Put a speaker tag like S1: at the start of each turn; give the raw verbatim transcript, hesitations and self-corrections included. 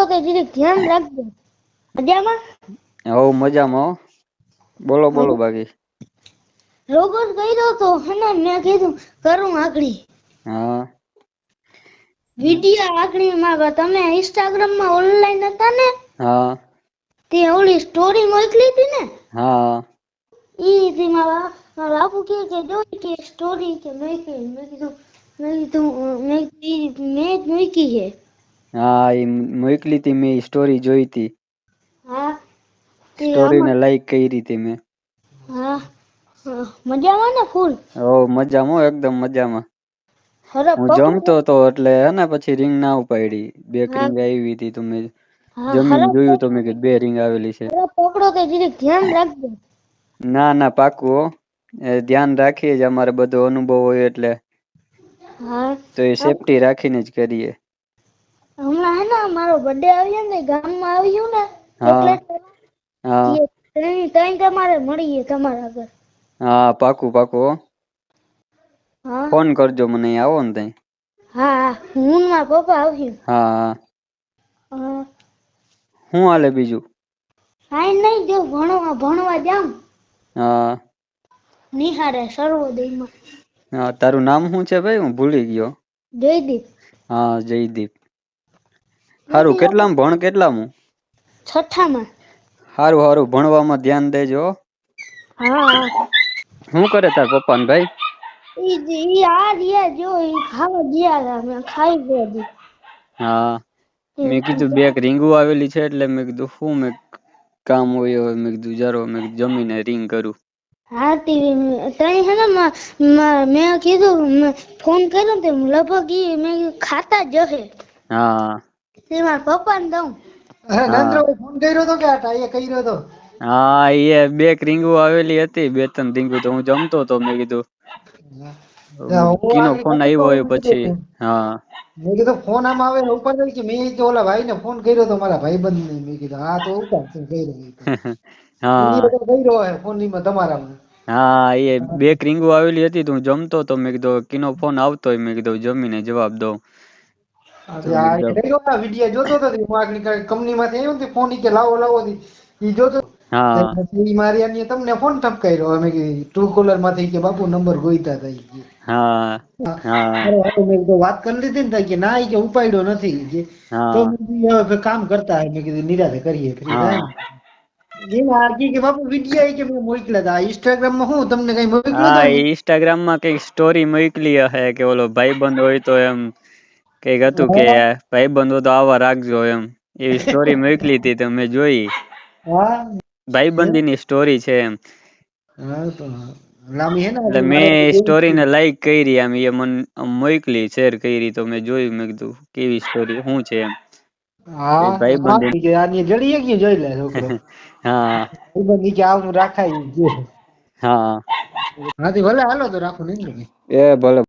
S1: તે જીરીક ધ્યાન રાખજો. મજામાં?
S2: હવ મજામાં હો. બોલો બોલો બાકી.
S1: રોગો કર્યો તો હને મેં કીધું કરું આકડી.
S2: હા
S1: વિડિયો આકડી માં તમે ઇન્સ્ટાગ્રામ માં ઓનલાઈન હતા ને?
S2: હા
S1: તે ઓલી સ્ટોરી મોકલી હતી ને?
S2: હા
S1: ઈ થી મારા બાપુ કે કે જો કે સ્ટોરી કે મેં કે મેં કીધું મેં કીધું મેં મેં મૂકી છે.
S2: હા એ મોકલી તી મેં સ્ટોરી જોઈ તી.
S1: હા તે
S2: સ્ટોરી ને
S1: આમાં
S2: લાઈક કરી તી મેં.
S1: હા મજામાં ને ફૂલ?
S2: હો મજામાં એકદમ મજામાં.
S1: હરા
S2: હું
S1: પગ
S2: જમતો હતો એટલે હેને પછી રિંગ ના ઉપાડી. બે
S1: હા
S2: રિંગ આવી હતી તો મેં
S1: હા
S2: જમીને
S1: હરા
S2: જોયું તો મેં કીધું બે રિંગ આવેલી છે.
S1: હરા પકડો તે જીરીક ધ્યાન રાખજો.
S2: ના ના પાકું હો. એ ધ્યાન રાખીએ જ અમારે બધો અનુભવ હોય એટલે.
S1: હા
S2: તો એ સેફ્ટી રાખીને જ કરીએ.
S1: હમણાં હે ને મારો બર્થડે આવ્યો ને ગામમાં આવ્યું ને
S2: હા
S1: ચોકલેટ
S2: હા
S1: તઈ તમારે મળીએ તમારા ઘર.
S2: હા પાકું પાકું હો.
S1: હા
S2: ફોન કરજો મને આવો ને તઈ.
S1: હા હું ને મારા પપ્પા આવશું.
S2: હા હા
S1: હા
S2: હું હાલે બીજું?
S1: કાઈ નઈ જો ભણવા ભણવા જાઉં.
S2: હા
S1: નિહારે સર્વોદયમાં.
S2: હા તારું નામ શું છે ભાઈ? હું ભૂલી ગયો.
S1: જયદીપ.
S2: હા જયદીપ. હારું
S1: નથી આવતું
S2: કેટલામ ભણ કેટલામું?
S1: છઠ્ઠામાં.
S2: હારું હારું ભણવામાં ધ્યાન દેજો હો.
S1: હા હા
S2: હું કરે તાર પપ્પા ને ભાઈ?
S1: ઈ ઈ આ રહ્યા જો ઈ ખાવા ગયા તા મેં ખાઈ ગયા જી.
S2: હા મેં કીધું બે એક રીંગુ આવેલી છે એટલે મેં કીધું શું મેં કામ હોય હવે મેં કીધું જારો મેં જમીને રિંગ કરું.
S1: હા તી તઈ હે ને મેં કીધું ફોન કર્યો તે લગભગ ઈ મેં ખાતા જ હશે.
S2: હા
S1: તે મારા પપ્પા ને દઉં.
S2: હા
S1: ફોન કર્યો તો કે આ ટાઈએ કર્યો તો?
S2: હા એ બે રીંગુ આવેલી હતી બે ત્રણ રીંગુ તો હું જમતો હતો મેં કીધું
S1: હું
S2: કીનો
S1: આગળ
S2: ફોન
S1: જતો
S2: આવ્યો
S1: તો
S2: હોય પછી હા
S1: મેં કીધું ફોન આમ આવે ને ઉપાડે કે મેં તો ઓલા ભાઈ ને ફોન કર્યો તો મારા ભાઈબંધ ને મેં કીધું હા તો ઉપાડશે કર્યો.
S2: હા
S1: ઈ તો કર્યો હે ફોન માં તમારામાં.
S2: હા એ બે રીંગુ આવેલી હતી તું જમતો તો મેં કીધું કીનો ફોન આવતો હોય મેં કીધું જમીને જવાબ દઉં. તો મેં કીધું
S1: વિડિયો જોતો તો કંપની માંથી આવ્યો ફોન કે લાવો લાવો ઈ જોતો
S2: હા
S1: મારી તમને ફોન ઠપકાર્યો અમે ટ્રુ કોલર માંથી કે બાપુ નંબર ગોઈતા
S2: હા હા
S1: હતા. વાત કરી લીધી ને કે ના કે ઉપાડ્યો નથી તો
S2: હા
S1: કામ કરતા હ મેં કીધું નિરાતે કરીએ ફ્રી થાય
S2: હા
S1: ને કે બાપુ વિડિયા કે મે મોકલા હતા ઇન્સ્ટાગ્રામમાં હું તમને કઈ મોકલ્યો
S2: હા
S1: તો
S2: ઇન્સ્ટાગ્રામ માં કઈક સ્ટોરી મોકલી હશે કે ઓલો ભાઈ બંધ હોય તો એમ કઈક હતું કે ભાઈ બંધો તો આવા રાખજો એમ એવી સ્ટોરી મોકલી હતી તો મેં જોઈ
S1: હા
S2: ભાઈબંધી ની સ્ટોરી છે એમ
S1: હા તો લાંબી હે
S2: એટલે
S1: ને મારે
S2: મેં
S1: એવું
S2: સ્ટોરીને લાઈક કરી આમ એ મને મોકલી શેર કરી તો મેં જોયું મેં કીધું કેવી સ્ટોરી શું છે એમ
S1: હા
S2: ભાઈબંધી
S1: જડી કે જોઈ લે છોકરો
S2: હા
S1: નીચે આવનું રાખાય
S2: હા
S1: હાથી ભલે હાલો તો રાખો ને
S2: એ ભલે